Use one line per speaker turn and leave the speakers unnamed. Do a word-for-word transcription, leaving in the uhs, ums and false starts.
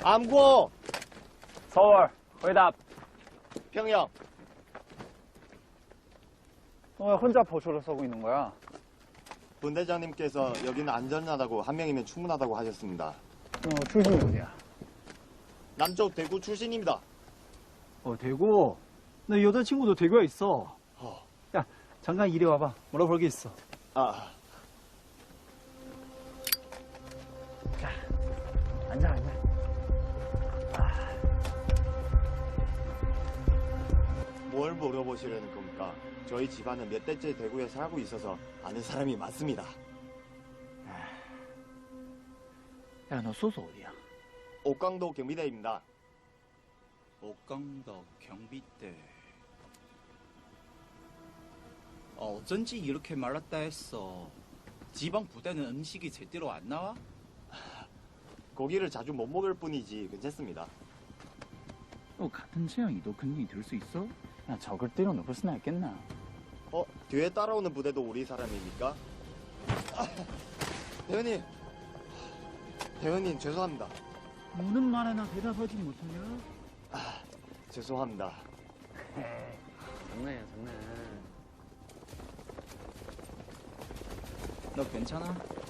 암고.
서울, 회답.
평영.
너 왜 혼자 보초를 쏘고 있는 거야?
분대장님께서 여기는 안전하다고 한 명이면 충분하다고 하셨습니다.
너 출신이 어디야?
남쪽 대구 출신입니다.
어, 대구? 내 여자친구도 대구에 있어.
어.
야, 잠깐 이리 와봐. 물어볼 게 있어.
아,
자, 앉아, 앉아.
뭘 물어보시려는 겁니까? 저희 집안은 몇 대째 대구에 살고 있어서 아는 사람이 많습니다.
야, 너 소속 어디야?
옥강도 경비대입니다.
옥강도 경비대. 어, 어쩐지 이렇게 말랐다 했어. 지방 부대는 음식이 제대로 안 나와?
고기를 자주 못 먹을 뿐이지 괜찮습니다.
너 같은 체형이도 근육이 들 수 있어? 야, 적을 때려놓을 수나 있겠나?
어? 뒤에 따라오는 부대도 우리 사람입니까? 아, 대현님. 대현님 죄송합니다.
무는 말에나 대답하지 못하냐?
아, 죄송합니다.
장난이야, 장난.
너 괜찮아?